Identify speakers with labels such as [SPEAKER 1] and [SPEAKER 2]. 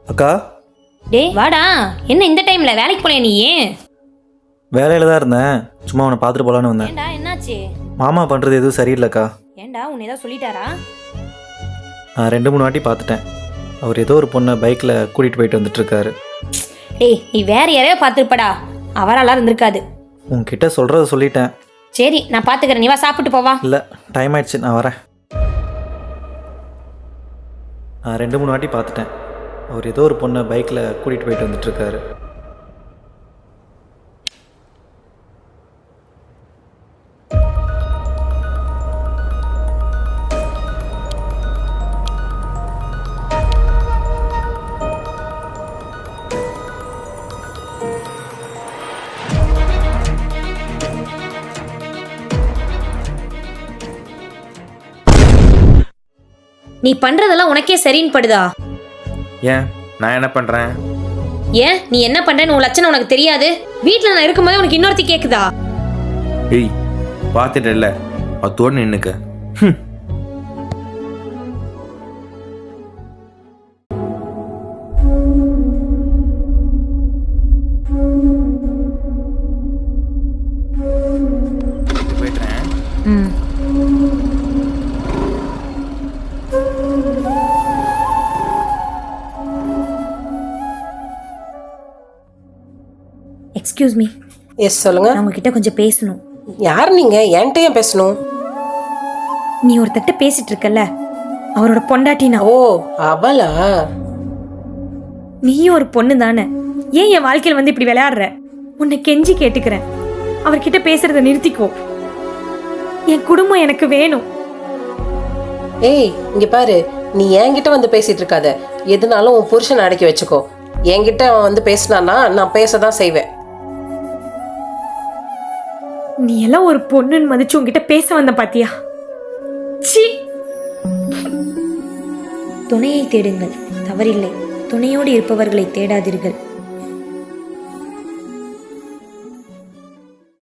[SPEAKER 1] அக்கா,
[SPEAKER 2] டேய் வாடா. என்ன இந்த டைம்ல வேலைக்கு போலையா நீ?
[SPEAKER 1] வேலையில் தான் இருந்தேன். சும்மா அவனை பார்த்துட்டு போகலான்னு வந்தேன்.
[SPEAKER 2] ஏன்டா என்னாச்சு?
[SPEAKER 1] மாமா பண்ணுறது எதுவும் சரியில்லைக்கா.
[SPEAKER 2] ஏன்டா உன்னை ஏதாவது சொல்லிட்டாரா?
[SPEAKER 1] நான் 2-3 வாட்டி பார்த்துட்டேன். அவர் ஏதோ ஒரு பொண்ணை பைக்கில் கூட்டிகிட்டு போயிட்டு வந்துட்டுருக்காரு.
[SPEAKER 2] டேய் நீ வேற யாரையோ பார்த்துருப்படா. அவராலாம் இருந்திருக்காது.
[SPEAKER 1] உங்ககிட்ட சொல்கிறத சொல்லிட்டேன்.
[SPEAKER 2] சரி நான் பார்த்துக்கிறேன், நீ வா சாப்பிட்டு போவா.
[SPEAKER 1] இல்லை, டைம் ஆயிடுச்சு, நான் வரேன். நான் 2-3 வாட்டி பார்த்துட்டேன். அவர் ஏதோ ஒரு பொண்ணை பைக்கில் கூட்டிகிட்டு போயிட்டு வந்துட்டுருக்காரு.
[SPEAKER 2] நீ பண்றதெல்லாம் உனக்கே சரின்னு படுதா?
[SPEAKER 3] ஏன் நான் என்ன பண்ணுறேன்?
[SPEAKER 2] ஏன் நீ என்ன பண்றேன்னு உன் லட்சணம் உனக்கு தெரியாது? வீட்டில் நான் இருக்கும்போது உனக்கு இன்னொருத்தி கேக்குதா?
[SPEAKER 3] ஏய் பார்த்துட்டு இல்லை, அத்தோடு நின்னுக்க. போயிட்டுறேன்.
[SPEAKER 2] ம். எக்ஸ்கியூஸ் மீ,
[SPEAKER 4] எஸ் சொல்லுங்க.
[SPEAKER 2] நான் உங்ககிட்ட கொஞ்சம் பேசணும்.
[SPEAKER 4] யார் நீங்க? என்கிட்ட ஏன் பேசணும்?
[SPEAKER 2] நீ ஒருத்தட்ட பேசிட்டு இருக்கல்ல, அவரோட பொண்டாட்டி நான்.
[SPEAKER 4] ஓ அவளா?
[SPEAKER 2] நீயும் ஒரு பொண்ணு தானே? ஏன் என் வாழ்க்கையில் வந்து இப்படி விளையாடுற? உன்னை கெஞ்சி கேட்டுக்கிறேன், அவர்கிட்ட பேசுறத நிறுத்திக்கோ. என் குடும்பம் எனக்கு வேணும்.
[SPEAKER 4] ஏய் இங்க பாரு, நீ என்கிட்ட வந்து பேசிட்டு இருக்காத. எதுனாலும் உன் புருஷனை அடக்கி வச்சுக்கோ. என்கிட்ட அவன் வந்து பேசினான்னா நான் பேசதான் செய்வேன்.
[SPEAKER 2] நீ எல்லாம் ஒரு பொண்ணுன்னு மதிச்சு உன்கிட்ட பேச வந்த பாத்தியா? சீ. துணையை தேடுங்கள், தவறில்லை. துணையோடு இருப்பவர்களை தேடாதீர்கள்.